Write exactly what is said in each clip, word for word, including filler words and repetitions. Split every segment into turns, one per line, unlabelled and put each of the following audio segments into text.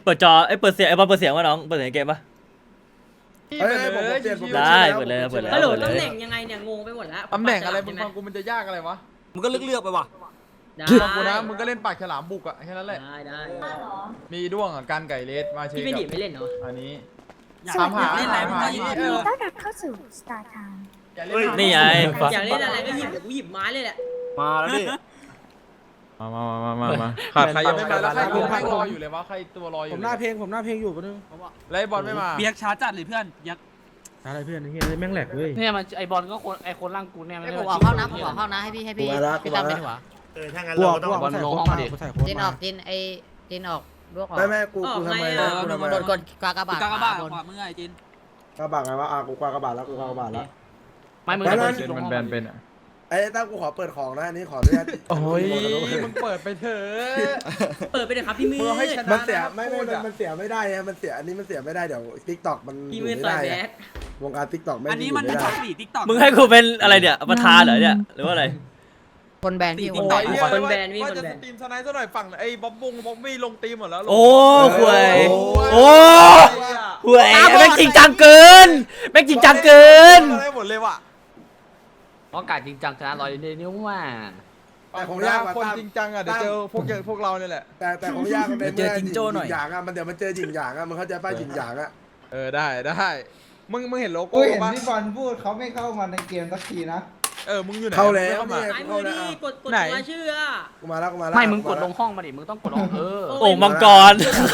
ปิดจอไอ้เปิดเสียงไอ้บอลเปิดเสียงวะน้องเปิดเสียงเกมปะ
เฮ้ยผมเปลี่ยนผม
ได้เปิดเลยเปิดเลย
ฮัลโหลตำแหน่งยังไงเนี่ยงงไปหมดแล้ว
ตำแหน่งอะไรมึงฟังกูมันจะยากอะไรวะ
มึงก็เลือกเลือกไปว่ะ
ได้
ฟังกูนะมึงก็เล่นปากฉลามบุกอะแค่นั้นแหละ
ได้ได้
มีด้วงอะการไก่เลสมาเช
พี่ไม่
กั
ดิไม่เล่นเหรอ
อันนี้
สวัสดี
ถามหา
ค่ะ
ถามหา
ยินดีต้อนรับเข้าสู่ Star Time
อย่าเล่น
นี่ไง
อยากเล่นอะไรก็หยิบเดี๋ยวกูหยิบไม้เลยแหละ
มาแล้วดิ
มามามามามาขาดใครยังไม่มาแล้วใครกูให้รออยู่เลยวะใครตัวรออยู่
ผมหน้าเพลงผมหน้าเพลงอยู่ปะนึง
แล้วไอ้บอลไม่มา
เบียกช้าจัดเลยเพื่อนยักษ์
อะไรเพื่อนเฮียแม่งแหลกเลย
เนี่ยมันไอบอลก็คนไอคนร่างกูเนี่ย
ให้ผมออกเข้านะผมออกเข้านะให้พี่ให้พี่พี่ตั้มเป็นหัว
เออถ้างั้น
กลัว
เราก็
ก
ต้
ลั
อ
ว
ง
บอลลงห้องมาดิใส่โค้ด
จินอ
มา
อกจินไอจินออกลวกออก
ไม่แม่กูกูทำไม
เออ
กูทำไม
โดนกดกากระบาด
กากบาท
บน
ขวามือไอจิน
กระบาดไงวะอ่ะกูกากระบาดแล้วกูกากระบาดแล้ว
ไม่มึง
มันแบนเป็นอะ
ไอ้ตั้มกูขอเปิดของนะอันนี้ขออนุญาต
โอ้ยมึงเปิดไปเถอะ
เปิดไปเลยครับพี่มืด
มึงให้ชนะ
มันเสียไม่ไม่มันมันเสียไม่ได้ไงมันเสียอันนี้มันเสียไม่ได้เดี๋ยวทิกตอกมัน
พี่
อยู่
มืด
ไม่
ต่อ
ได้
ยแบ
ไง
ด
วงการทิกตอกไม่
อันนี้
อยู่
มัน
ไม่
ช
ได้
อบตีติ๊กต็อก
มึงให้กูเป็นอะไรเนี่ยประธานเหรอเนี่ยหรือว่าอะไร
คนแบนพี่
โอ้
คนแบ
ย
น
เหี้ยว่าจะสตรีมสไนด์ซะหน่อยฝั่งไอ้บ๊อบบงบ๊อบบี้ลงตีมหมดแล้ว
โอ้หวยโอ้หวยแม่งจริงจังเกินแม่งจริงจังเกิน
ได้หมดเลยว่ะ
เพราะการจริงจังชนะลอยนิ้วว่า
แต่ของยากกว่า
คน
ตั้ม
จริงจังอ่ะเดี๋ยวเจอพวกเจอพวกเราเนี่ยแหละ
แต่แต่ของยากมันเป็น
เจอจิงโจ้หน่อย
หยางอ่ะมันเดี๋ยวมันเจอจิงหยางอ่ะมันเข้าใจป้ายจิงหยางอ่ะ
เออได้ได้มึงมึงเห็นโลโก้
กูเห็น
ป่ะ
พี่บอลพูดเขาไม่เข้ามาในเกมสักทีนะ
เออมึงอยู่ไหน
เข้าแล้ว
เข้ามา
เนี่ย
ไอ้มื
เข้า
อ
แล้ว
ดีกดกด
ไหน
ตัวชื่ออะ
กูมาแล้วกูมาแล้ว
ไม่มึงกดลงห้องมาดิมึงต้องกดลงเออ
โอ่งมังกร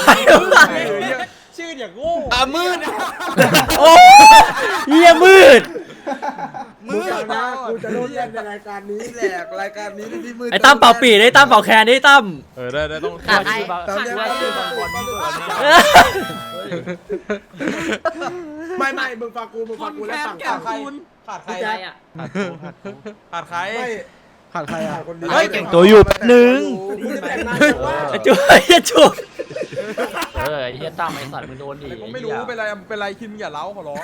ชื่ออย่างโง่
อ่ะมืด
โอ้เฮียมืด
มึงฟังนะกูจะโดนแย่งในรายการนี้แหละรายการนี้ที่พี่มือ
ไอ้ตั้มเป่าปีไอ้ตั้มเป่าแคนไอ้ตั้ม
เออได้ได้ต้อง
ขาดใคร
ตามเนี้ย
ขาด
ชื่อบางคนไม่ไม่มึงฟังกูมึงฟังกูแล้วฝั่ง
แก้
ฝั่ง
ว
ใคร
คูณ
ขาดใคร
ใครอ่ะ
ขาดใคร
ไม่ขาดใครอ่ะคนเดียว
เฮ้ยเก่งตัวอยู่แป๊บนึง
กูจะแต่งงานว่า
ไอ้จุ๊บไอ้จุ๊บ
เออไอเฮียตั้มไอสัตว์มึงโดนดิ
ไอ้กูไม่รู้เป็นไรเป็นไรคิมอย่าเล้าขอร้อง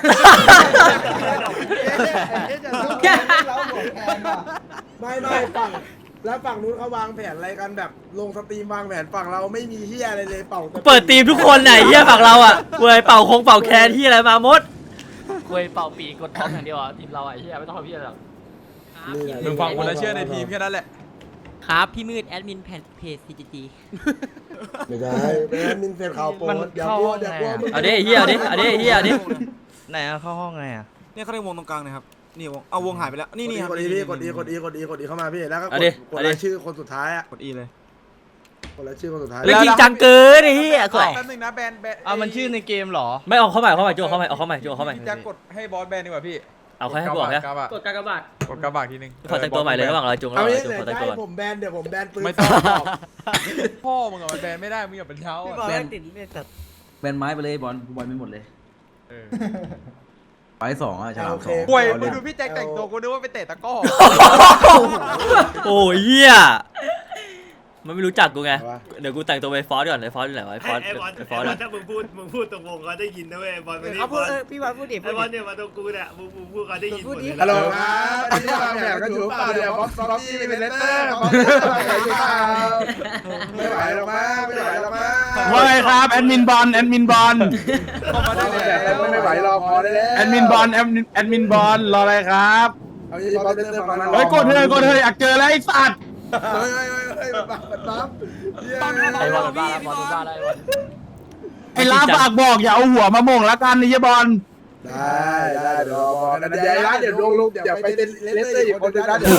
ไม่ไม่ฝั่งแล้วฝั่งนู้นเขาวางแผนอะไรกันแบบลงสตรีมวางแผนฝั่งเราไม่มีเฮียอะไรเลยเป่า
เปิดทีมทุกคนไหนเฮียฝั่งเราอ่ะเว้ยเป่าคงเป่าแคนที่อะไรมาหมด
คุยเป่าปีกดท้องอย่างเดียวอ่ะทีมเราไอเฮียไม่ต้องทำเฮียหรอก
มึงฟังคนละเชื่อในทีมแค่นั้นแหละ
ครับพี่มืดแอดมินแผ่นเพจ ซี จี จี
ไม่ได้ไม่ได้มินเฟนข่าวโปรเดี๋ยวกลัวเดี๋ยวกลัวมึง
เอาดิเฮียเอาดิเอาดิเฮียเอาดิ
ไหนอะเข้าห้องไงอะเนี่ยเขาเรียกวงตรงกลางนะครับนี่วงเอาวงหายไปแล้วนี่นี่ครับ
กดอีพี่กดอีกดอีกดอีกดอีเข้ามาพี่แล้วก็ก
เอา
ด
ดิ
ก
เอา
ด
ดิ
รายชื่อคนสุดท้ายอ่ะ
กดอีเลย
กดรายชื่อคนสุดท้าย
เล่นจริงจังเกินไอ้เฮียก่อน
แป๊บนึงนะแบนแบน
เอามันชื่อในเกมหรอ
ไม่เอาเข้าใหม่เข้าใหม่จุ๊บเข้าใหม่เอาเข้าใหม่จุ๊บเข้าใหม่
จะกดให้บอสแบนดีกว่าพี่
เอาแค่ให้กูบอกแค่
กระบะ
กดกากบาท
กดกระบะทีนึง
ขอแต่งตัวใหม่เลยระหว่างเราจุ๊บระห
เอา
ว่าง
งี้
เราจุ๊บ
เดี๋ยว
ขอแต่ง
จะ
ตัว
ให้
ก่อน
ผมแบนเดี๋ยวผมแบนปืน
ไม่ต้องหรอกพ่อมึงอะมันแบนไม่ได้มึงอย่าเป็นเช้าอะ
แบนแบนไม้ไปเลยบอลบอลไม่หมดเลย
เออ
ไปสองอ่ะฉลามสอง
ป่วยมึงดูพี่แจ็คแต่งตัวกูนึกว่าไปเตะตะก้อ
โอ้ยเฮียมันไม่รู้จักกูไงเดี๋ยวกูแต่งตัวไปฟอสก่อนไอ้ฟอสอยู่ไหนวะไอ้ฟอส
ไอ้บอล
ไอ้ฟ
ไอ้
อส
บอล
อะ
ถ้ามึงพูดมึงพูดตรงวงเขาได้ยินนะเว้ยบอลไม่ได้
เขา
บ
พูด
อล
เออพี่บอลพูดดิ
ไอ้บอลเนี่ยมาตรงกูเนี่ยมึงมึงพูดเขาได้ยินหมดเลย
ฮัลโหล
นะครับ
อันนี้วางแผนกันอยู่เปล่าเดี๋ยวบ๊อบบ๊อบบี้เป็นเลตเตอร์บ๊อบบี้ไม่ไหวหรอกมั้งไม่ไหวหรอกมั้ง
ว่าไงครับแอดมินบอลแอดมินบอล
เข้ามาได้แล้ว
ไม่ไหวรอพอได้แล้ว
แอดมินบอลแอดมินแอดมินบอลรออะไรครับ
เอายี่บ๊อบเลตเตอร์ฝั่งนั้น
เฮ้ยกดเถอะกดเถอะอยากเจอแล้วไอ้สัตว์
เฮ้ยเฮ้ยเฮ้ยมันบังมันบัง
ไอบอลบ้าแล้วบอลบ้าแล้วไอบอล
ไอ้ลาฝากบอกอย่าเอาหัวมาโมงละกันนี่บอล
ได้ได้เดี๋ยวบอกนะเดี๋ยวร้านเดี๋ยวลงลูกเดี๋ยวไปเป็นเลตเตอร์อีกคนนึงนะเดี๋ยว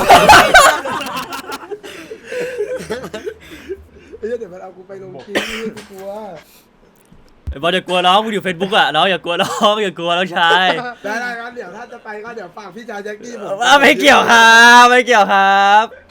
เฮ้ยเดี๋ยวมันเอากูไปลงคลิปกูกลัว
ไอ้บอลอย่ากลัวน้องมึงอยู่เฟซบุ๊กอะน้องอย่ากลัวน้องอย่ากลัวน้องชาย
ได้ได้ครับเดี๋ยวถ้าจะไปก็เดี๋ยวฝากพี่ชายแจ็คกี้ผม
ไม่เกี่ยวครับไม่เกี่ยวครับ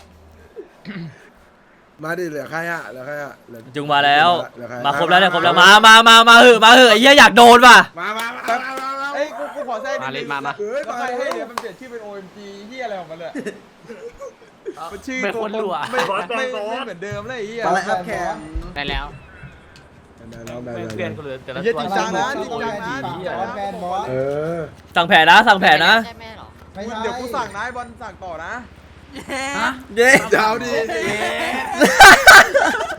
มาดิเหลือใครอะเหลือใครอะเหลือ
จุงมาแล้ว
เหลือใคร
มาครบแล้วเนี่ยครบแล้วมามามามาเหอะมาเหอะไอ้เหี้ยอยากโดนว่ะ
มามามามามา
เอ้ยกูกูขอแทรกนิ
มา
ด
เล่
นึ
น
ง
มามา
เฮ้ย
แล้ว
มา
ใคร
เฮ้
ให้
ย
เนี่ยมันเปลี่ยนชื่อเป็น โอ เอ็ม จี เฮียอะไรของมันเลยมันชื่อ
เป็นคนรัว
ไม่ไม่ไม่เหมือนเดิมเลยไอ้เฮีย
อะไรครับแขก
ได้แล้ว
ได้แล้วได้
เปลี่ยน
แล้ว
กันเลยแต่ละ
เฮีย
ตัว
จริงจังนะจริงจังนะจริงจังนะ
เออ
สั่งแผนนะสั่งแผนนะ
ใช่ไหมหรอ
เดี๋ยวกูสั่งนะไอ้บอลสั่งต่อนะ
เย้
เจ้าดี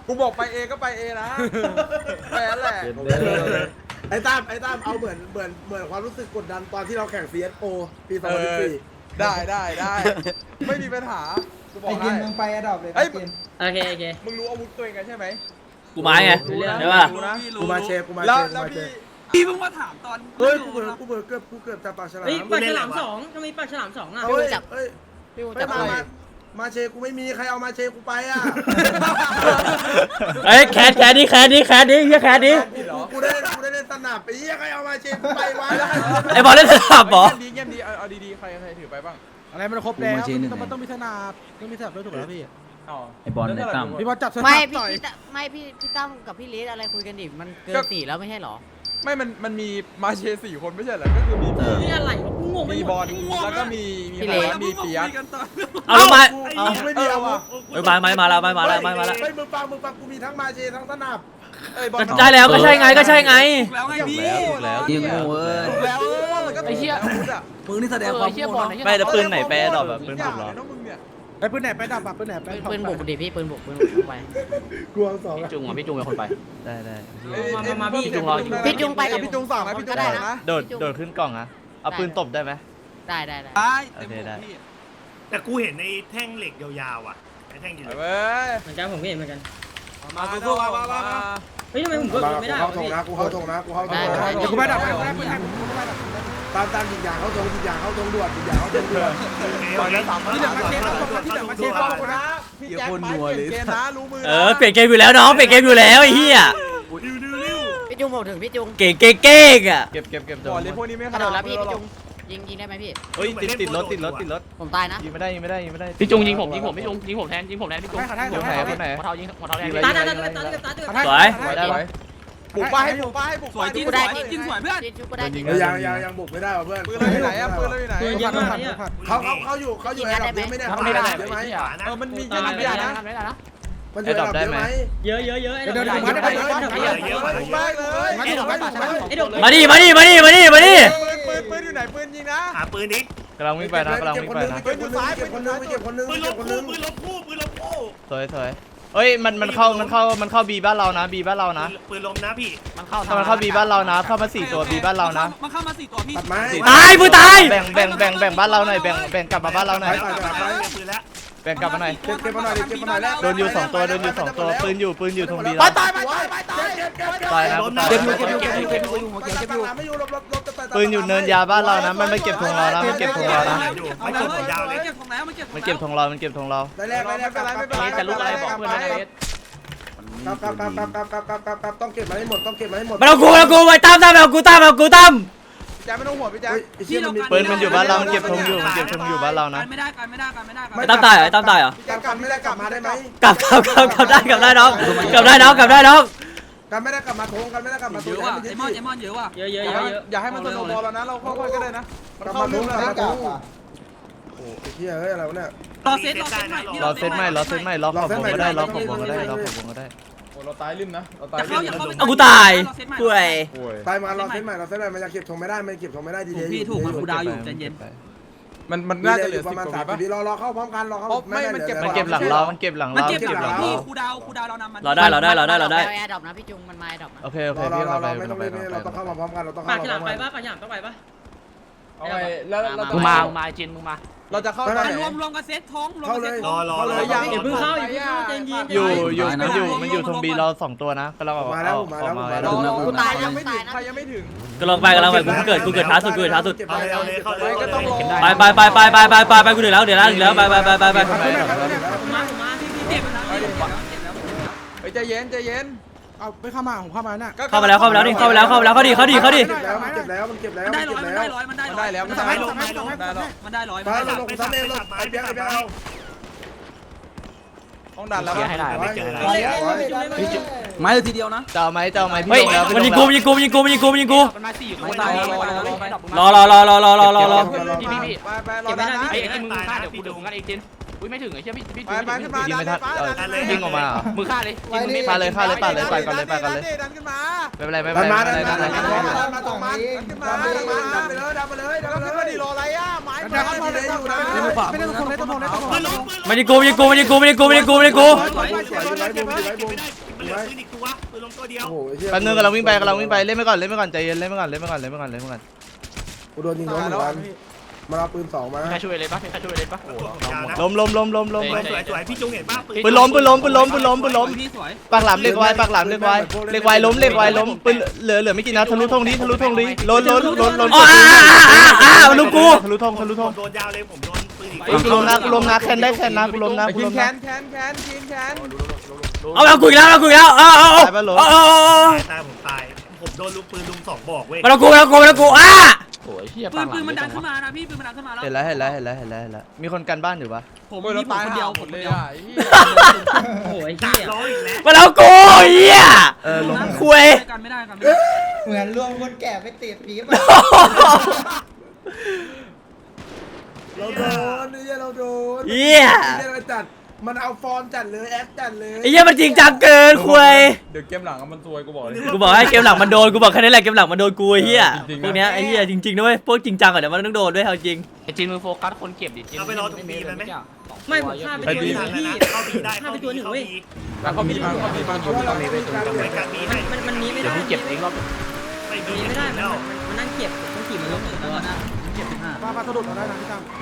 กูบอกไปเอก็ไปเอนะแค่นั้นแหละ
ไอ้ตั้มไอ้ตั้มเอาเหมือนเหมือนเหมือนความรู้สึกกดดันตอนที่เราแข่ง ซี เอส โอ ปีสองพันสิบสี่
ได้ได้ได้ไม่มีปัญหากูบอกให้
มึงไปอะดอบเลย
เอ้ย
โอเคโอเค
มึงรู้อาวุธตัวเองกันใช่ไหม
กูไม้ไงใช่ป่ะ
รู้นะ
กูมาเชฟกูมา
แล้ว
เชฟกู
แล้ว
มาเช
พี่
ฟ
พี่เพิ่งมาถามตอน
เฮ้ยกูเบื่อกูเบื่อเกือบกูเกือบจะปากฉลาม
เฮ้ยปลาฉลามสองทำไมปลาฉลามสองอ่ะ
เฮ้ยเฮ้ย
พี่บูม
เฮ้
จั
ย
บ
มา
ไป
มามาเชฟกูไม่มีใครเอามาเชฟกูไปอ่ะ
เอ้ยแคสแคสดิแคสดิแคสดิเฮียแคสดิ
กูได้กูได้เล่นสนับไปเหี้ยใครเอามาเชฟกูไปวะ
ไอ้บอลเล่นสลับเหรอ
เงียบดีเงียบดีเอาเอาดีๆใครใครถือไปบ้าง
อะไรมันครบแล้วมันต้องมีสนับต้องมีสนับด้วยถูกแล้วพี่
ไอบอลในตั้ม
พี่บอลจับสนับ
ไม่พี่
ต่อย
พี่ตั้มไม่พี่พี่ตั้มกับพี่เลสอะไรคุยกันดิมันเกินสี่แล้วไม่ใช่เหรอ
ไม่มันมันมีมาเชสี่คนไม่ใช่เหรอก็คือมีพี่
นี่อะไรวะกูงงไป
มี
หม
บอ
ด
ลแล้วก็มีมี
พี่
ใคร
เล็ก
วะมีเปียก
เอาลงมา
กูไม่มีอาวุธ
เอ้ยไม้ไม้มาแล้วไม้มาแล้วไม้มาแล้ว
เฮ้ยมึงฟังมึงฟังกูมีทั้งมาเชฟทั้งสนับ
เอ้ยบอล
ก็ได้แล้วก็ใช่ไงก็ใช่ไง
แล้วไงพี่
แล้วยิงงูเว้ยแล้วแล้วก็
ไอ้เหี้ย
อาวุธอะ
มึงนี่แสดง
เอ
ควา
อ
ม
เชี่ยบอลไอ้เหี้ย
ไม่แต่ปืนไหนแปรดอก
แบ
แบบ บปืนผมเหรอ
น้องมึงเนี่ย
ไอ้ปืนไหนไปดับปืนไหนไป
ปืนบุกดิพี่ปืนบุกปืนบุกเข้าไป
กลัวสอง
พี่จุงอ่ะพี่จุงเป็นคนไป
ได้ได้
มามามาพี่
พี่จุงรออยู่
พี่จุงไปกับ
พี่จุงสองนะพี่จุง
ก็
ส
ได้
อง
นะ
นะ
โดดโดดขึ้นกล่องอะเอาปืนตบได้ไหม
ได้ได้ได้
ได้
โอเคได้
แต่กูเห็นในแท่งเหล็กยาวๆอ่ะไอ้แท่งเหล็ก
เว้ย
เหมือนกันผมก็เห็นเหมือนกัน
มาสู้มามามา
เฮ้ยทำไมผมกดไม่ได้
เข้าว
ะ
ทง
พี่
นะกูเข้าทงนะกูเข้าทงนะ
เดี๋ยวกูไปดับไปกูได้ปืนไหนกูไปดับ
ตามตามยิงยางเข้าทงยิงยางเข้าทงด่วนยิงยางเข้าทงด่วน
ตอนนี้สามพัน
ที่เดี๋ยวมาเชฟที่เดี๋ยวมาเชฟ
ขอบคุณนะพี่แจ็คไปเปลี่ยนเกมนะรู้มือ
เออเปลี่ยนเกมอยู่แล้วน้องเปลี่ยนเกมอยู่แล้วไอ้เหี้ย
ดิวดิวดิว
พี่จุงบอกถึงพี่จุง
เก่งเก่งเก่งอะ
เก็บเก็บเก็บก่อนเลยพวกนี้ไม่
กระโดดแล้วพี่พี่จุงยิงยิงได้ไหมพี่
เฮ้ยติดติดรถติดรถติดรถ
ผมตายนะ
ยิงไม่ได้ยิงไม่ได้ยิงไม่ได้
พี่จุงยิงผมยิงผมพี่จุงยิงผมแทนยิงผมแทนพี่จุง
ให้เขาให้
หั
เขาให้
คนไหน
วเท้ายิงหัวเท้าแทน
ตาตาตาตาตาตาตา
สวย
ไว้ได้ไว้บุกไปให้บุกไปให้บุก
สวยจริงสวยจริงสวยเพื่อน
พี่จุงก็ได้จริง
ยังยังยังบุกไม่ได้ว่ะเพื่อน
ปืนเราอยู่ไหนอะปืนเราอยู่ไหน
ปืนเยอะมากเนี่ย
เขาเขาเขาอยู่เขาอยู่ในระดับเยอะไหมเนี่ย
ทำไม่ได้
เยอะไหม
ไอ้เหี้ย
เออมันมี
ทำ
ยั
ไม่
ง
ได้
มี
นะ
นะ
ทำไม่ได้นะ
มันอยู่ในระดับเยอะไหม
เยอะเยอะเยอะไอ้
เดี๋ยว
ดอก
เดี๋ยว
ไม้
เดี๋ยว
ไอ้ดอกไม้
บุกไปเลย
มาดิมาดิมาดิ
ไอ้ดอก
มาดิมาดิมาดิมาดิมาดิ
ปืนปืนอยู่ไหนปืนยิงนะ
หาปืนนี้
กำลังวิ่งไปนะกำลังวิ่งไปนะ
เก็บคนนึงเก็บคนนึงเก็บคนนึง
ปืนล
เก็บบ คนนึ
คู่
ง
ปืนลบคู่ปืนลบคู่
สวยสวยเฮ้ยมันมันเข้ามันเข้ามันเข้าบีบ้านเรานะบีบ้านเรานะ
ปืนลมนะพี่
มันเข้า
ถ้ามันเข้าบีบ้านเรานะเข้ามาสี่ตัวบีบ้านเรานะ
มันเข้ามาสี่ตัวพี่
ตัดไม้
ตายมือตายแบ่งแบ่งแบ่งแบ่งบ้านเราหน่อยแบ่งแบ่งกลับมาบ้านเราหน่อย
ปืนแล้ว
แบ่งกลับมาหน่อย
เก็บเก็บมาหน่อยเก็บมาหน่อยแล้ว
โดนอยู่สองตัวโดนอยู่สองตัวปืนอยู่ปืนอยู่ตรงบี
ไป
เรา
ตายไปตายไปตายเก็บเก็บเก็บ
ตายนะตาย
เก็บอยู่เก็บอยู่เก็บอยู่เก็บอยู่หัวเก็บอยู่
ไม่อยู่ลบลบลบ
ปืนอยู่เนินยาบ้านเรานะมันไม่เก็บธงเรานะมันเก็บธงเรานะ
เอาแล้วยาวเลยเก็บของแล้วมันเก็บ
มันเก็บธงเรามันเก็บธงเรา
ได้แรกได้แรกไม่เป็นไรไม่เป็นไร
แต่ลูกอะไรบอกเพื่อนนะเอส
ครับครับครับครับครับครับครับครับต้องเก็บมาให้หมดต้องเก็บมาให้หมด
มันเอากูมันเอากูไว้ตั้มตั้มเอากูตั้มเอากูตั้ม
แจ็คไม่ต้องห่วงพี่แจ็ค
ปืนมันอยู่บ้านเรามันเก็บธงอยู่มันเก็บธงอยู่บ้านเรานะ
ไม่ได้กันไม่ได้กันไม่ได้กัน
ไอ้ตั้มตายเหรอไอ้ตั้มตายเหรอ
พี่แจ็คกลับไม่ได้กลับมาได้ไหม
กลับกลับกลับกลับได้กลับได้น้องกลับได้น้องกลับได้น้อง
กลับไม่ได้กลับมาทงกันไม่ได้กลับมา
เยอะว่ะไอมอนไอมอนเยอะว่ะ
เยอะเยอะ
อย่า
เยอะเยอะ
อย่าให้มันสโนว์บอลแล้วนะเราค่อยๆก็ได้นะมัน
กลับ
เข้า
มาท
เรื่อง ง
ก
แล้
ลับ
ว
มาท
นะ
งโอ้เฮียเฮ้ยอะไรวะเนี่ย
รอเซตรอเซตใหม่
รอเซตใหม่รอเซตใหม่รอขอบวงก็ได้รอขอบวงก็ได้รอขอบวงก็ได้
โอ้เราตายริมนะเราตาย
จะ
ริ
เข้าม อย่าเข้า
เอากูตายป่วย
โอ้ย
ตายมาเราเส้นใหม่เราเส้นใหม่มันยังเก็บทงไม่ได้มันเก็บทงไม่ได้ดี
ถูก
เดี
พี่ถูกมันกูดาวอยู่ใจเย็น
มันมัน
น่า
น่า
จะ
จะ
เห
เห
ลื
ลื
อ
อ
ประ
สิบ
มาณ
กว่า
สาม
ปะ
สิบวิรอรอเข้าพร้อมกันรอเข้า
ไม่มันเก็บ
มันเก็บหลังเรามันเก็บหลัง
มัน
เรา
เก็บ
เก็บ
ห
ห
ลั
ลั
ง
ง
พี่
เรา
กูดาวกูดาวเรานำมัน
รอได้รอได้รอได้รอได้
แอร์ดรอปนะพี่จุงมันมาแอร์ดรอปนะ
โอเคโอเค
รอรอ
พี่
รอ
เข้าไป
ไม่ต้อง
เข้าไป
รีบเราต้องเข้ามาพร้อมกันเราต้อง
ปา
เข้าก มา
ฉ
พร้
ลา
อ
ม
ม
ไป
กัน
ปะปากฉลามต้องไปปะ
เอาไงแล้วเราจะ
มึงมามึงมาจินมึงมา
เราจะเข้าตอนไหน
รวมรวมกันเซตท้องรวม
เข้า
กัน
เล
เซต
ย
รอรอรอ
อย่าเพิ่งเข้าอย่าเพิ่งเข้าใจเย็น
อยู่อยู่มันอยู่มันอยู่ตรงบีเราสองตัวนะกำลังออก
มาแล้ว
ออก
มา
ออ
แล้ว
กมา
มา
แล้
แล้ว ว
กูตาย
ยั
นะ
ง
กู
ไม่ถึ
ตาง ยนะ
ใครยังไม่ถึง
กำลังไปกำลังไปกูเกิดกูเกิดช้าสุดกูเกิดช้าสุด
เอาเลยเอาเลยเข้าเลย
ก็ต้องรอ
ไปไปไปไปไปไปไปไปกูเดี๋ยวแล้วเดี๋ยวแล้วเดี๋ยวแล้วไปไปไปไปไป
ผมมาผมมาพี่พี่
เจ็บแล้วเจ็บแล้วเจ็บแล้ว
เฮ้ยใจเย็นใจเย็น
เอาไม่เข้ามาผมเข้ามาน่ะ
เข้ามาแล้วเข้ามาแล้วนี่เข้ามาแล้วเข้ามาแล้วเขาดีเขาดีเขาดี
เก็บแล้วมันเก็บแล้วมันเก็บแล้ว
มัน
มัน
ได้
เก็
ร้อบ ยมัน
แล้
ได้
ว
ร้อยมันได้
มัน
ร้อ
ได้
ย
แล้วมัน
ทำ
ได้
ไม
แล้ว
ทำไมทำไม
ได้แล้ว
มันได้ร้อย
มาเราลงซ้ำเองไอ้เปียกไอ้เปียกเอา
ต้องดันแล้ว
เกียร์ให้ได้
ไม่เจอแล้ว
ไม้เลยทีเดียวนะ
เจ้าไหมเจ้าไหมพี่เฮ้ยลงแล้วมันยิงกูมันยิงกูมันยิงกูมันยิงกูมันยิงกู
มันมาสี่ค
ไม่
น
ตาย
รอรอรอรอรอรอรอรอ
พี่พี่พี่
ไปไปรอดันนะ
ไอ้ไอ้จินมึงฆ่าเดี๋ยวกูเดี๋ยวมึงกันไอ้จินอุ้ยไม่ถึงไอ้เชี่ยพี่พี่
ไปไปขึ้นมา
ยิงไม่ทันเออ
เลย
ยิงออกมาเหรอ
มือฆ่าเลยยิงมึงไม่
ฆ่าเลยฆ่าเลยปาดเลยปาดก่อนเลยปาดก่อนเลย
ดันขึ้นมา
ไม่เป็นไรไม่เป็นไร
มา
ไม่
ดั
เป็น นไร
มา
ไม่
ดั
เป็น นไร
มาดันมาตรงมันขึ้นมาดันมาดันไปเลยดันไปเลยดัน
แล้ว
ไป
ขึ้น
เล
มาย ดิรออะไรอ่ะไม้
ดันเข้ามาเลยอยู่นะ
ไม่ได้ต้องทนไม่ต้องทนไม่ต้องทน
ไม่ได้กูไม่ได้กูไม่ได้กูไม่ได้กูไม่ได้กูไม่ได้กู
มันเหลือปืนอีกตัวปืนลงตัวเดียว
โอ้โห
แป๊บนึงกำลังวิ่งไปกำลังวิ่งไปเล่นไปก่อนเล่นไปก่อนใจเย็นเล่นไปก่อนเล่นไปก่อนเล่นไปก่อนเล่นไปก่อน
กูโดนยิงล้มเหมือนกันมาเอาปืนสองมา
ใครช่วยเลยปะใครช่วยเลยปะโอ้โห
ล้มล้มล้มล้มล้ม
สวยสวยสวยพี่จุงเห็นป่ะ
ปืนล้มปืนล้มปืนล้มปืนล้มปืนล้ม
พี่สวย
ปากหลามเล็กไว้ปากหลามเล็กไว้เล็กไว้ล้มเล็กไว้ล้มปืนเหลือเหลือไม่กี่นัดทะลุธงนี้ทะลุธงนี้ล้นล้นล้นล้น
อ๋ออ่าอ่าอ่าอ่าลูกกู
ทะลุธงทะลุธง
โดนยาวเลยผมโดนปืนอีก
กูล้มนะกูล้มนะแคนได้แคนนะกูล้มนะกู
กิ
ล้
น
ม
แข
นะ
นแขนแขนกินแขน
เอาเอากูอีกแล้วเอากูอีกแล้วเอาเอาเอาเอาเอา
ตายผมตายผมโดนลูกปืนลุมสองบอกเว้ย
มาแล้วกูมาแล้วกูมาแล้วกูอ่ะ
โอ้ยเชี่ย
ปืนปืนมันดันขึ้นมานะพี่ปืนมันดันขึ้นมาแล้ว
เห็นแล้วเห็นแล้วเห็นแล้วเห็นแล้วเห็นแล้วมีคนกันบ้านอยู่ปะ
ผม
โอ้ยเรา
มีผม
ตาย
คนเดียว
ห
ผม
ม
ค
ด
น
เลย
เดียว
อ่ะ
โอ้ย
ดั
เหี้
ก
ย
ร้อยอีกแล้ว
มาแล้วกูเหี้ย
เออล้ม
คุย
กันไม่ได้กันไม่ได้
เหมือนรวมคนแก่ไปติดปี๊บ
เราโดนนี่เราโดน
เหี้ย
นี่เราจัดมันเอาฟอร์มจัดเลยแอคจัดเลย
ไอ้เหี้ยมันจริงจังเกินคุย
เดี๋ยวเกมหลังมันซวยกูบอกเลย
กูบอกให้เกมหลังมันโดนกูบอกแค่นี้แหละเกมหลังมันโดนกูไอ้เหี้ย
จริงๆนะ
พวกเนี้ยไอ้เหี้ยจริงๆนะเว้ยพวกจริงจังอะเดี๋ยวมันต้องโดนด้วยเอาจริง
ไอ้จีนมือโฟกัสคนเก็บดิจีน
ไม่ผมฆ่าไป
ไป
ตัวห
บี
นึ่ง
ทัน
พี่
นะเข้าบีได้
ฆ่าไปตัวหนึ่งเว้ย
แล้วเขามีมาเขามีมาอยู่ตรงนี้ไปตรงนี้
ไปกันบีให้
มันมันหนีไม่
เดี๋ย
ได้
วพี่เก็บเองรอบ
ไป
ห
บี
นี
ไม่
ไม่
ได้
ได้
แล้ว
มันนั่งเก็บต้องขี่มันล้มถึงแล้วนะเก็บสิบห้า
ป้าป้าสะดุดเราได้นะพี่ตั้ม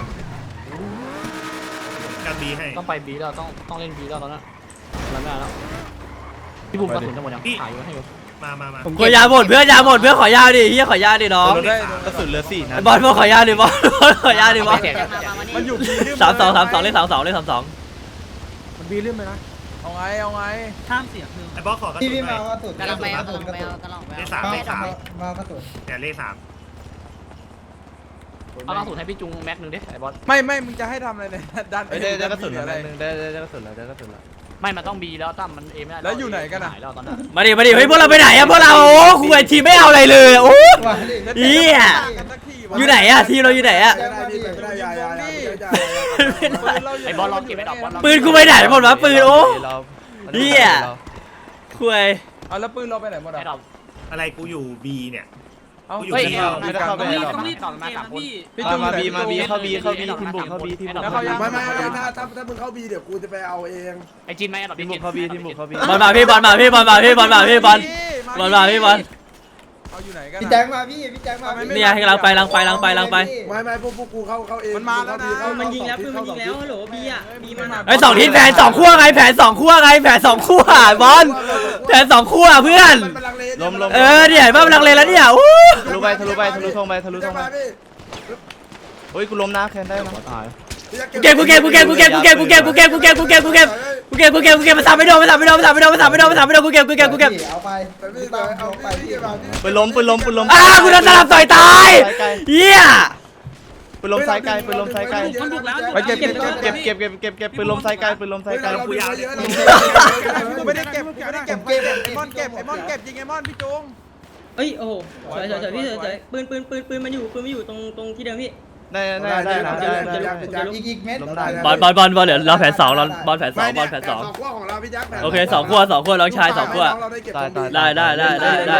กันบีให้
ต้องไปบีแล้วต้องต้องเล่นบีแล้วตอนนั้นแล้วไม่แล้วพี่บุ๋มกระสุนจะหมดยังถ่ายอยู่ให้อยู่
มามามา
กูยาหมดเพื่อนยาหมดเพื่อนขอยาดิเหี้ยขอยาดิน้อง
เราได้
กระสุนเหลือสี่นั
ไอ้
ด
บอลบอลขอยาดิบอลบอลขอยาดิบอล
มันอยู่บีลืม
สามสองสามสองเลขสามสองเลขสามสอง
มันบีลืมเลยนะเอาไงเอาไง
ห้ามเสียคือ
ไอ้บอสขอกระสุ
พี่
น
พี่
หน่
มา
อย
ว่าสุด
กำลังไปเอากำลังไปเอากำลังไป
เล
เอา
ขสามเลขสาม
มากระสุน
แต่เลขสาม
เอากระสุนให้พี่จุงแม็กนึงดิไอ้บอส
ไม่ไม่มึงจะให้ทำอะไรเนี่ยดัน
เอ้ยได้ได้กระสุนแล้วแป๊บนึงได้ได้ได้กระสุนแล้วได้กระสุนแล้ว
ไม่มันต้องบีแล้วตั้มมันเอไม่ได้แล้วตอนนั้น
มาดิมาดิเฮ้ยพวกเราไปไหนอะพวกเราโอ้คุยทีมไม่เอาอะไรเลยโอ้ เหี้ย อยู่ไหนอะทีมเราอยู่ไหนอะ
ไม่ได้พี่ไม่ได้ยายายา
ไอ้บอลเราเก็บไอ้ดอกบอล
ปืนกูไปไหนหมดวะปืนโอ้
เรา
เหี้ย คุย
เอาแล้วปืนเราไปไหนหมด
ไอ้ด
อ่ะ
อก
อะไรกูอยู่บีเนี่ย
เอา
อยู่
เฮ้ย
ที่
ไม่ได้เข้าไป
ต้องรีบ
หรอก
ต้องรีบต่อมาสามพี่
พี่
อ่ะ
จุง
มาบีมาบีเข้าบีเข้าบีทีมบุกเข้าบีทีมบุก
แล้ว
เข้า
เขา
บี
ยัง
ไม่ไม่ถ้าถ้าถ้ามึงเข้าบีเดี๋ยวกูจะไปเอาเอง
ไอ้จีนไหมไอ้ดอก
ทีมบุกเข้าบีทีมบุกเข้าบี
บอลมาพี่บอลมาพี่บอลมาพี่บอลมาพี่บอลบอลมาพี่บอล
เอาอยู่ไหนกัน
พี่แจ็คมาพี่พี่แจ็คมา
เนี่ยให้กำลังไปกำลังไปกำลังไปกำลังไป
ไม่ไม่พวกพวกกูเข้าเข้าเอง
มันยิงแล้วปืนมันยิงแล้วฮัลโหลบีอ่ะบีมัน
ไอ้สองทีแผนสองขั้วไงแผนสองขั้วไงแผนสองขั้วบอลแผนสองขั้วเพื่อน
ล้มล้ม
เออเนี่ยบ้าพลังเลแล้วเนี่ยอู้
ทะลุไปทะลุไปทะลุธงไปทะลุธงไปเฮ้ยกูล้มนะแคนได้นะตาย
กูเก็บกูเก็บกูเก็บกูเก็บกูเก็บกูเก็บกูเก็บกูเก็บกูเก็บกูเก็บกูเก็บกูเก็บกูเก็บมาสามไม่โดนมาสามไม่โดนมาสามไม่โดนมาสามไม่โดนมาสามไม่โดนกูเก็บกูเก็บกูเก็บ
เอาไปพี่ตามเอาไปพี่
ปืนล้มปืนล้มปืนล้ม
อ้ากูโดนสลับต่อยตายเหี้ย
ปืนล้มซ้ายไกลปืนล้มซ้ายไกล
มันบุกแล้ว
ไปเก็บเก็บเก็บเก็บเก็บเก็บเก็บปืนล้มซ้ายไกลปืนล้มซ้ายไกล
กูยาวเยอะเลย
กูไม่ได้เก็บกูไม่ได้เก็บไอ้มอนเก็บไอ้มอนเก็บยิงไอ้มอนพี่จุง
เอ้ยโอ้โหสวยสวยสวยพี่สวยสวยปืนปืนปืนปืนมันอยู่ปืนมันอยู่ตรงตรงที่เดิมพี่
ได้ได้ได้นะได้ได้
อีกอีกเม็ด
บอลบอลบอลบอลเดี๋ยวเราแผนสองเราบอลแผนสองบอลแผนสอง
สองขั้วของเราพี่ยักษ์
โอเคสองขั้วสองขั้วน้องชายสองขั้ว ได้ได้ได้ได้ได้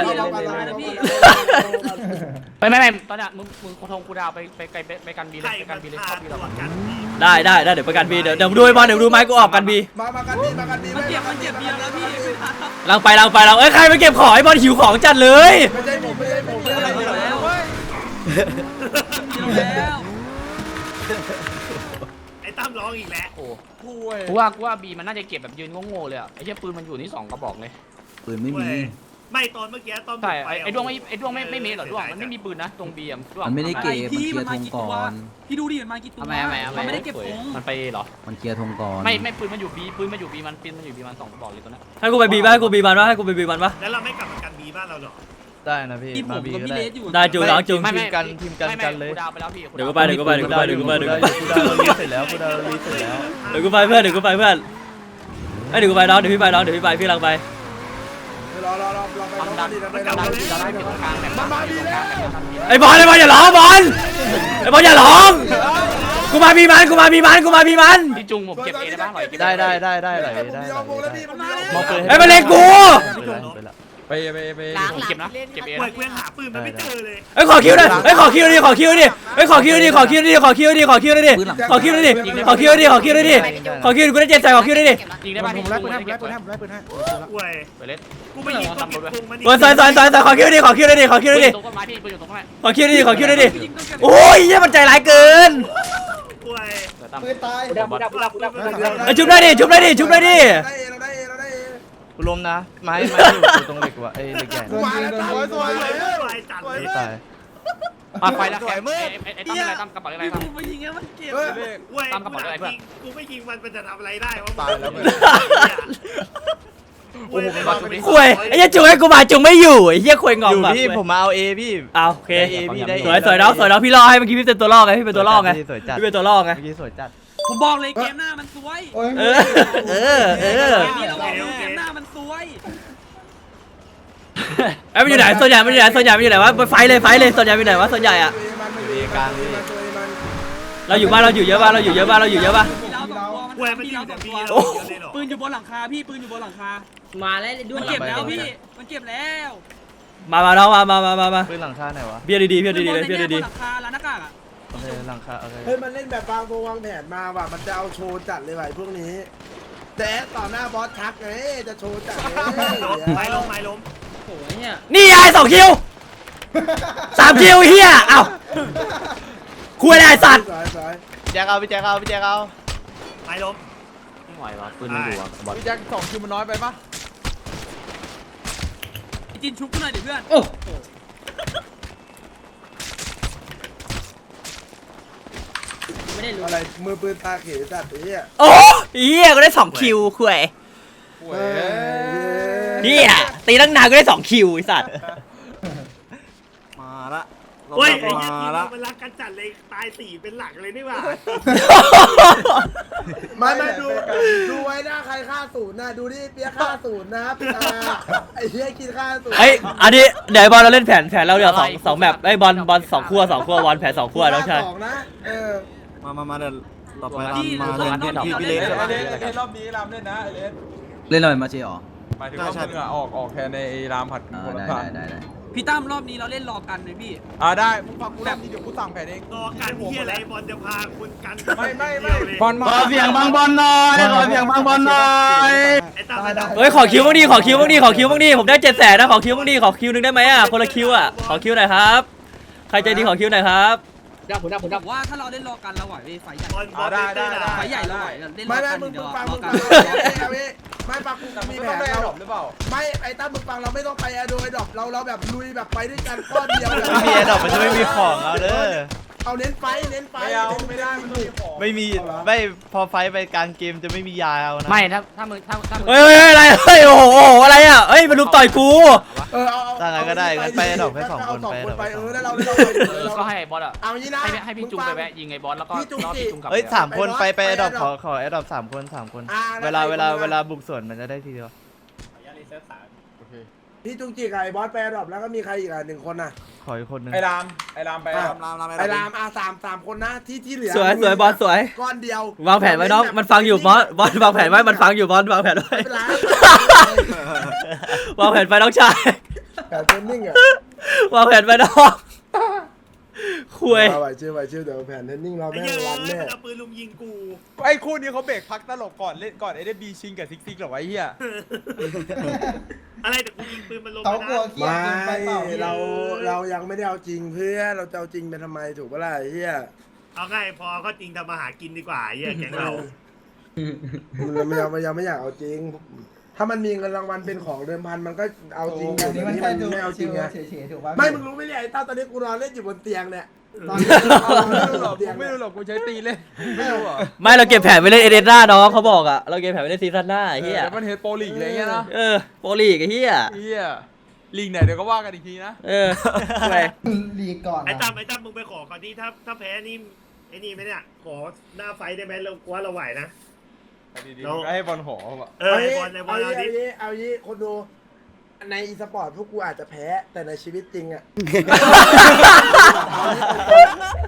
ไม่ไม่ไม่ตอนนี้มึงมึงโคทงกูดาวไปไปไกลไปกันบีเลย
ใคร
ไป
มั
กัน นบีเลย
พา
เข้าบี
ต
เรา
รวจกันบี
ได้ได้ได้เดี๋ยวประกันบีเดี๋ยวเดี๋ยวดูไอ้บอลเดี๋ยวดูไม้กูออกกันบี
มามากันบีมากันบี
มันเจ็บมันเจ็บเบียร์แล้วพี่
ลังไปลังไปลังเอ้ยใครไปเก็บของไอ้บอลหิวของจัดเลย
ไม่ใช่ผมไม่ใช่ผมไม่ใช่ผม
แล้วแล้ว
ไอ้ตั้มร้องอีกแล้ว
โอ้
ป่วย
กูว่ากูว่าบีมันน่าจะเก็บแบบยืนโง่ๆเลยอ่ะไอ้เชี่ยปืนมันอยู่นี่สองกระบอกเลย
ปืนไม่มี
ไม่ตอนเมื่อกี้ตอน
ใช่ไอ้ดวงไม่ไอ้ดวงไม่ไม่เมทหรอดวงมันไม่มีปืนนะตรงบีอ่ะดวง
มันไม่ได้เก็บมัน
พี่
เคลี
มั
ย
น
ร์
มา
ธง
กี่
ก่
ตัว
อน
พี่ดูดิมันมากี่ตัวมันไม่ได้เก็บธง
มันไปเหรอ
มันเคลียร์ธงก่อน
ไม่ไม่ปืนมันอยู่บีปืนมันอยู่บีมันปืนมันอยู่บีมันสองกระบอกเลยตัวนั้น
ให้กูไปบีบ้างให้กูบีมันวะให้กูไปบีมันวะ
แล้วเราไม่กลับมากันบีบ้านเราหรอ
ได้นะพี่
พี่ผ
มาม บี
กับ
ก็
พี่
ได้
เลสอยู่
ได้จูน้องจู
ไม่ไม่
กันทีมกันกันเลย
กูดาวไปแล้วพี่
เดี๋ยวกูไปเดี๋ยวกูไปเดี๋ยวกูไปเดี๋ยวกูไปเดี๋ยวกูไป
กูดาวรีเสร็จแล้วกูดาวรีเสร็จแล้ว
เดี๋ยวกูไปเพื่อนเดี๋ยวกูไปเพื่อนไอ้เดี๋ยวกูไปน้องเดี๋ยวพี่ไปน้องเดี๋ยวพี่ไปพี่ลังไป
รอรอรอรอไป
ความ
รอ
ดัน
ดีนะ
มัน
ไป
กำ
ร
ลั
อง ดี
เราได้เป็นตรงกลางแบบ
มันมาดีแล้ว
ไอ้บอลไอ้บอลอย่าร้องบอลไอ้บอลอย่าร้อง
ร
กูมามีมันกูมามีมันกูมามีมัน
พี่จุงผมเก็บเอได้ป่ะหน่อยเก็บ
ได้ได้ได้ได้ไหล
ผม
ได้
มีเอาวงแล้วพี่ผมมีเอาวง
มองปืน
ไอ้ยมันเล็งกู
ไปไปไป
หลัง
ผม
หลั
เก็บนะ
งเล่น
เก็บเอ
ป่วย
นะ
กูยังหาปืนมันไม่เจอเลย
ไอ้ยขอคิวหน่อยไอ้ยขอคิวดิขอคิวดิไอ้ยขอคิวดิขอคิวดิขอคิวดิขอคิวดิขอคิวดิขอคิวดิขอคิวดิขอคิวดิกูได้เจ็ดใส่ขอคิวดิ
ยิงได้ป่ะ
ผม
พี่
ไล่
จุง
ปืนให้
เก็บ
ผมไล่ปืนให้ผมไล่ปืนให้
ป่วย
ไปเล่น
กูไปยิงคนผิดวงมัน
สวยสวยสวยสวยสวยขอคิวดิขอคิวดิขอคิว
ปืนอ
ดิ
ยู่ตรงต้นไม้พี่ปืนอยู่ตรงต้นไม้
ขอคิวดิขอคิวดิโอ้ยเหี้ยมันใจร้ายเกิน
ป่วย
เดี๋ยวตั้ม
ปืนตาย
ไอ้ยชุบได้ดิชุบได้ดิชุบได้ดิ
ได้เอเราได้เอเราได้เอ
กูล้มนะไม้ไม้อยู่ตรงเหล็กว่ะไอ้เหล็กใหญ่
มาแล้วสวยสวยสวย
ป่วยจัดเลย
ตาย
อ่ะไปแล้วแกไอ้ไอ้ตั้มอะไรตั้มกระเป๋าอะไรตั้ม
ป่วย
ตามกระเป๋าอะไรเพื่อน
กูไม่ยิงมันมันจะทำอะไรได้วะ
ตายแล้ว
โอ้โห
มาจุงดิ
คุยไอ้เหี้ยจุงให้กูมาจุงไม่อยู่ไอ้เหี้ยคุยงอ
อง ยู่
แบบ
พี่ผมมาเอาเอพี่
เอาโอเค
ได้เอพี่ได้
สวยสวยน้องสวยน้องพี่ล่อให้เมื่อกี้พี่เป็นตัวล่อไงพี่เป็นตัวล่อไง
สวยจัด
พี่เป็นตัวล่อไง
เมื่อกี้สวยจัด
ผมบอกเลยเกมหน้ามันสวย
เออเออเออ
เกมนี้เราบอกเลยเกมหน้ามันสวย
ไอ้ยมันอยู่ไหนส่วนใหญ่มันอยู่ไหนส่วนใหญ่มันอยู่ไหนวะไปไฟเลยไฟเลยส่วนใหญ่มันอยู่ไหนวะส่วนใหญ่อะ เราอยู่บ้านเราอยู่เยอะบ้านเราอยู่เยอะบ้านเราอยู่เยอะบ้าน
มีเราสองตัวมัน
ป่วยมัน
มี
ยิ
เรา
ง
ส
แต่
อง
ปี
ตัว
เราเยอะเลยหรอ
ปืนอยู่บนหลังคาพี่ปืนอยู่บนหลังคา
มาแล้วด้ว
มั
ย
นเก็บแล้วพี่มันเก็บแล้ว
มามาน้องมามามามามา
ปืนหลังคาไหนวะ
เบียร์ดีๆเบียร์ดีๆเลยเบียร์ดี
บนหลังคาร้านหน้ากากอ่ะ
โอเคหลังคาโอเค
เฮ้ยมันเล่นแบบวางวางแผนมาว่ะมันจะเอาโชว์จัดเลยว่ะพวกนี้แต่ต่อหน้าบอสทักไงจะโชว์จัดเลย
ไม้ล้มไม้ล้ม
โอ้ยเนี่ย
ๆนี่ไอ้สองคิวสามคิวเฮียเอ้าคุยอะไรไอ้สัตว์
สวยสวย
แจ็คเอาพี่แจ็คเอาพี่แจ็คเอา
ไม้ล้ม
ไม่ไหววะปืนมันอยู่อ่ะบอล
พี่แจ็คสองคิวมันน้อยไปปะ
จินชุบกูหน่อยดิเพื่อน
โอ้
ไม่ได้รู้
อะไรมือปืนตาเขยจัดไอ้เหี้ย
โอ้เฮียกูได้สองคิวคุย
โว้ย
เฮียตีตั้งนานกูได้สองคิวไอ้สัตว์
มาละเรา
โอ้ย
กลับ
ไอ้
มา
เหี้ย
ละ
มันรักกันจัดเลยตายสี่เป็นหลักเลยนี่หว่า
ไม่ไม่ดูดูไว้หน้าใครฆ่าศูนย์นะดูดิเปียกฆ่าศูนย์นะครับอ่าไอ้เหี้ยกินฆ่าศูนย์
เอ้ยอันนี้เดี๋ยวไอ้บอลเราเล่นแผนแผนเราเดี๋ยวสองสองแมปไอ้ยบอลบอลสองขั้วสองขั้วบอลแผนสองขั้วน้องชาย
สองนะเออ
มามามาเดี๋ยวเราไปรำ
พี่
มา
เรา
เล่น
เรา
พี่
เรา
พี่
เล่
เล็
น
ก
เล่นเล่นรอบนี้รามเล่นนะไอเลส
เล่นอะไรมาเจี๋อ
หมายถึงว่ามึงอะออกออกแทนในรามผัดคนละผัด
พี่ตั้มรอบนี้เราเล่นรอกันเลยพี่
อ่าได้มึงฟังกูรอบนี้เดี๋ยวกูสั่งแผนเอง
รอการเหี้ยอะไรบอลจะพาคุณกัน
ไม่ไม่ไม่
บอล
ขอเสียงบางบอลหน่อยขอเสียงบางบอลหน่อย
ไอ้ตาไอ้ตา
เฮ้ยขอคิวบ้างดิขอคิวบ้างดิขอคิวบ้างดิผมได้เจ็ดแสนนะขอคิวบ้างดิขอคิวหนึงได้ไหมอ่ะคนละคิวอ่ะขอคิวหน่อยครับใครใจดีขอคิวหน่อยครับ
ดับผมดับผมดับ
ว่าถ้าเราเล่นรอกันเราไหวพี่ไฟใหญ่
บอลบอลได้ได้
ไฟใหญ่เราไหวเล่นร
ไม่
อ
ไม่
กัน
มึง
เดี
มึ
ยว
งฟัง
ร
มึ
อง กั
ฟั
น
งไม่ปักกูมี
ไม่
แผ
ต้อง
น
ได้
เรา
ดรอปหรือเปล่า
ไม่ไอ้ตั้มมึงฟังเราไม่ต้องไปแอร์โดยดรอปเราเราแบบลุยแบบไปด้วยกันก้อนเดียว
ไม่มีแอดดอกมันจะไม่มีของเอาเด้อ
เอาเน้นไฟเน้นไฟ
ไม่เอาไม่ได้มันมีของ
ไม่มีไม่พอไฟไปกลางเกมจะไม่มียาเอานะ
ไม่ถ้าถ้ามึงถ้าถ้ามึง
เฮ้ยเฮ้ยเฮ้ยอะไรเฮ้ยโอ้โหโอ้โหอะไรอ่ะเฮ้ยมาลุมต่อยกู
เออเอาเอา
ถ้างั้นก็ได้งั้นไปดอกให้สองคน
สอง
ไป
คน
ดอก
ไป
ให้ส
เอ
อง
อ
คน
แล้วเราเรา
ก็ให้บอลอ่ะ
เอางี้นะ
ให้ให้พี่จุงไปแวะยิงไอ้บอลแล้วก็รอบพี่จุงกลับ
เอ้ยสามคนไปไปแอดดอกขอขอแอดดอกสามคนสามคน เวลาเวลาเวลาบุกสวนมันจะได้ทีเดียว
พี่จุงจีกับไอ้บอสไปแอร์ดรอปแล้วก็มีใครอีกอ่ะหนึ่งคนน่ะ
ขออีกคนนึง
ไอ้รามไอ้รามไป
รำรำรำ
ไอ้รามอาสามสามคนนะที่ที่เหลือ
สวยสวยบอลสวย
ก้อนเดียว
วางแผนไว้น้องมันฟังอยู่บอลบอลวางแผนไว้มันฟังอยู่บอลวางแผนไว้
ไม่เป็นไร
วางแผนไปน้องชาย
แต่เทรนนิ่งอ่ะ
วางแผนไปน้องคุย
เอาไหวเชื่อไหวเชื่อเดี๋ยวแผนเทรนนิ่งเรา
ไอ้
แม่
เหี้ย
งรันแน่
มันเอาปืนลุมยิงกู
ไอ้คู่นี้เขาเบรกพักตลกก่อนเล่นก่อนไอ้ได้บีชิงกับซิกซิกหรอวะไอ้เหี้ย
อะไรแต่กูยิงปืนมันลง
เขา
ไป
กลัว
นะ
ไม่เราเรายังไม่ได้เอาจริงเพื่อเราจะเอาจริงไปทำไมถูกปะล่ะไอ้เฮีย
เอาไงพอก็จริงทำมาหากินดีกว่าไอ้เหี้ยแก๊งเรา
มันยังยังไม่อยากเอาจริง ถ้ามันมีเงินรางวัลเป็นของเดิมพันมันก็เอาจริงแต่เดี๋ยวนี้มันไม่เอาจริงไงไม่มึงรู้ไหมเนี่ยไอ้ต้าตอนนี้กูนอนเล่นอยู่บนเตียงเนี่ยตอนนี้เราไม่
ไม่
รู้
รู้
ห
ห
ร
ร
อ
อก ก
เตียง
ไม่
เนี่ย
รู้หรอกกูใช้ตีเล่นไม่รู้เหรอ
ไม่เราเก็บแผนไปเล่นเอเดนหน้าน้องเขาบอกอ่ะเราเก็บแผนไปเล่นซีซั่นหน้าไอ้เหี้ย
เดี๋ยวมันเฮดโปรลีกอะไรเงี้ยนะ
เออโปรลีกไอ้เหี้ย
เหี้ยลีกไหนเดี๋ยวก็ว่ากันอีกทีนะ
เออคุย
ไอ้ตั้มไอ้ตั้มมึงไปขอก่อนที่ถ้าถ้าแพ้นี่ไอ้นี่ไหมเนี่ยขอหน้าไฟได้ไหมเราว่าเราไหวนะ
ดีๆก็ให้บอลหอว่ะ
เออไอ้บอลไอ้บอล
เอา
เอาดิ
ยี่เอายี่คนดูในอีสปอร์ตพวกกูอาจจะแพ้แต่ในชีวิตจริงอ่ะ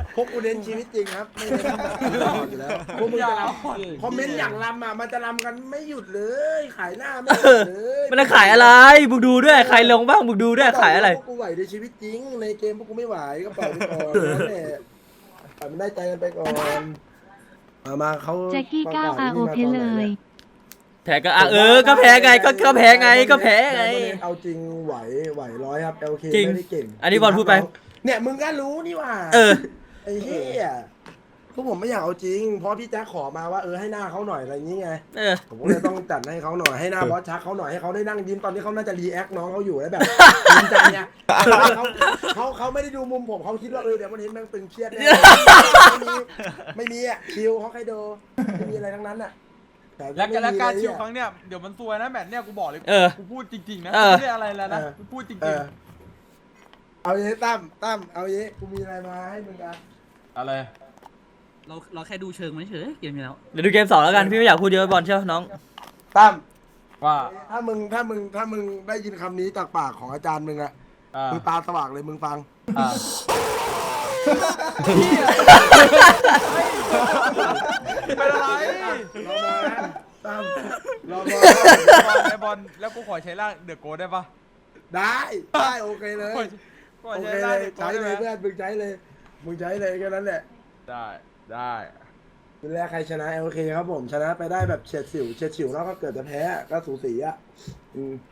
พวกกูเน้นชีวิตจริงครับไม่เน้นแบบอยู่แล้วพวกมึงจะรำคอมเมนต์อย่างรำอ่ะมันจะรำกันไม่หยุดเลยขายหน้าไม่หยุดเลย
มันจะขายอะไรมึงดูด้วยใครลงบ้างมึงดูด้วยขายอะไร
พวกกูไหวในชีวิตจริงในเกมพวกกูไม่ไหวก็ปล่อยไปก่อนนั่นแหละปล่อยมันได้ใจกันไปก่อนมามาเขา
แจ็คกี้ก้าว
ประ
อา
ศ
โอ
นี่มา
เพ
ตน
เล
ไหน
ย
นี่
แพ้ก็อ่ะเออก็แพ้ไงก็ก็แพ้ไงก็แพ้ไง
เอาจริงไหวไหวร้อยครับ แอล เค
จริง
ไม่ได้เก่ง
อันนี้บอลพูดไป
เนี่ยมึงก็รู้นี่ว่า
เออ
ไอ้เหี้ยพวกผมไม่อยากเอาจริงเพราะพี่แจ๊คขอมาว่าเออให้หน้าเขาหน่อยอะไรอย่างงี้ไง
เออ
ผมก็เลยต้องจัดให้เขาหน่อยให้หน้าบอสชักเขาหน่อยให้เขาได้นั่งยิ้มตอนที่เขาน่าจะรีแอคน้องเขาอยู่แล้วแบบยิ้มใจเนี่ยเขาเขาเขาไม่ได้ดูมุมผมเขาคิดว่าเออเดี๋ยววันนี้แม่งตึงเครียดแน่ไม่มีไม่มีอ่ะคิวเขาใครดูไม่มีอะไรทั้งนั้นอ่ะต่
แล้ว
ไม่
แล้ว
มี
การ
เลย
ชิว
อะ
ครั้งเนี้ยเดี๋ยวมันซวยนะแมตช์เนี่ยกูบอกเลย
เออ
กูพูดจริงๆนะ
เออ
ไม่ได้อะไรแล้วนะ
เออ
กูพูดจริ
เอง อเอาเย้ตั้มตั้มเอาเย้กูมีอะไรมาให้มึงกัน
ๆอะไร
เราเราแค่ดูเชิงมันเฉยเกมนี้แล้ว
เดี๋ยวดูเกมสองแล้วกันพี่ไม่อยากพูดเยอะบอลเชียวน้อง
ตั้ม
ว่า
ถ้ามึงถ้ามึงถ้ามึงได้ยินคำนี้จากปากของอาจารย์มึงอะ
อ่า
มึงตาสว่างเลยมึงฟัง
อ่า เป็นอะไร
รอมานะตั้มรอมา
ไอ้บอลแล้วกูขอใช้ร่างเดือดโกได้ปะ
ได้ได้โอเคเลย
ขอ
โอ
ใช้
เค
ร่าง
เลย
เดือดโก
ใช้
ได้
เล
ไหม
ยเพื่อนมึงใช้เลยมึงใช้เลยแค่นั้นแหละ
ได้ได้
ดูแลใครชนะโอเคครับผมชนะไปได้แบบเฉียดฉิวเฉียดฉิวแล้วก็เกิดจะแพ้ก็สูสีอะอืม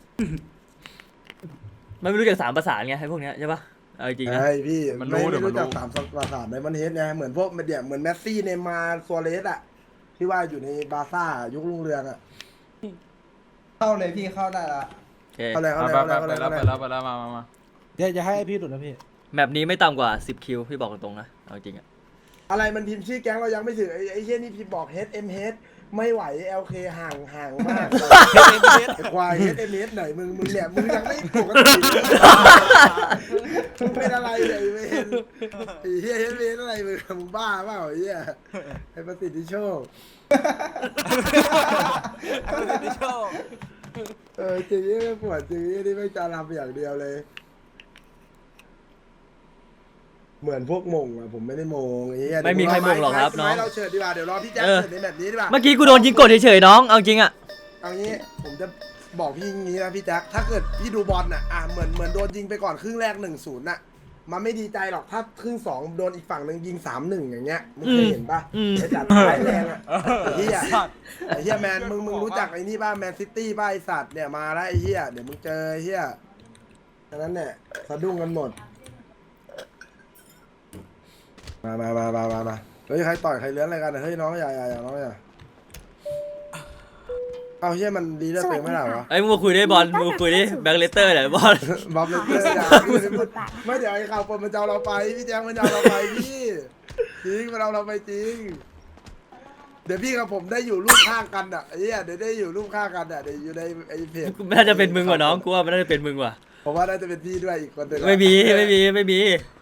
มันไม่รู้จักสามประสานไงไอ้พวกเนี้ยใช่ปะเอาจริงๆนะ
ใช่พี่
มันรู้
ไม่
เดี๋ยวมัน
รู้จัก
รู้
สามประสานในมันเฮดไงเหมือนพวกเดียเหมือนแมสซี่เนย์มาร์ซัวเรสอะที่ว่าอยู่ในบาร์ซ่ายุครุ่งเรืองอะ
เข้าเลยพี่เข้าได้ละ
โอเค
เอาเลยเอา
ไป
เลย
ไป
เอาเลย
ไป
เอา
แล้ว
เล
ไป
ย
แล้วไปแล้วมามามา
เดี๋ยวจะให้พี่หลุดนะพี่
แมปนี้ไม่ต่ำกว่าสิบคิวพี่บอกตรงๆนะเอาจริงอะ
อะไรมันพิมพ์ชื่อแก๊งเรายังไม่ถึงไอ้ไอ้เช่นนี่พิมพ์บอก เอช เอ็ม เอช ไม่ไหว แอล เค ห่างห่างมากไอ้ควาย เอช เอ็ม เอช ไหนมึงมึงเนี่ยมึงยังไม่ปกติเลยมึงเป็นอะไรเนี่ยไอ้เวนไอ้เหี้ย เอช เอ็ม เอช อะไรมึงมึงบ้าเปล่าไอ้เหี้ยไอ้ประสิทธิโชค เออจริงนี่ไม่ปวดจริงนี่ไม่จะรำอย่างเดียวเลย เหมือนพวกมงอะผมไม่ได้มงไอ้เหี้ย
ไม่มีใครมงหรอกครับน้อง
ให้เราเฉิดดีกว่าเดี๋ยวรอพี่แจ๊ค
เออ
เฉิดในแบบนี้ดีกว่า
เมื่อกี้กูโดนยิงกดเฉยๆน้องเอาจริงอะ
เอางี้ผมจะบอกพี่อย่างนี้นะพี่แจ๊คถ้าเกิดพี่ดูบอลน่ะอ่ะเหมือนเหมือนโดนยิงไปก่อนครึ่งแรกหนึ่งศูนย์น่ะมันไม่ดีใจหรอกถ้าครึ่งสองโดนอีกฝั่งหนึ่งยิงสามหนึ่งอย่างเงี้ยมึงเคยเห็นปะไอ้จัดท้ายแรงอะไอ้เหี้ยไอ้เหี้ยแมนมึงมึงรู้จักไอ้นี่ป่ะแมนซิตี้ป่ะไอ้สัตว์เนี่ยมาแล้วไอ้เหี้ยเดี๋ยวมึงเจอไอ้เหี้ยฉะนั้นเนี่ยสะดุ้งกันหมดมามามามามามาเฮ้ยใครต่อยใครเลื้อนอะไรกันอะเฮ้ยน้องอย่าอย่าอย่าน้องอย่าเอาเฮียมันดีเลือดตัวเองไม่ได้เหรอ
ไอ้มึงมาคุยได้บอลมึงมาคุยดิแบงค์เลสเตอร์เนี่ยบอล
บอมเล
ขอ
เตอ
ให้
ร์
ส
อย่าม
บูรณ์บทบาท
ไม่เดี๋ยวไอ้ข่าวปนมันจะเอาเราไปพี่แจ๊คมันจะเอาเราไปพี่จริงมันเอาเราไปจริงเดี๋ยวพี่กับผมได้อยู่รูปข้างกันอ่ะไอ้เหี้ยเดี๋ยวได้อยู่รูปข้างกันอ่ะเดี๋ยวอยู่ในไอ้เพจ
น่าจะเป็นมึงว่ะน้องกูว่ามันน่าจะเป็นมึงว่ะ
ผมว่าน่าจะเป็นพี่ด้วยอีกคนหนึ่งอะ
ไม่มีไม่มีไม่มี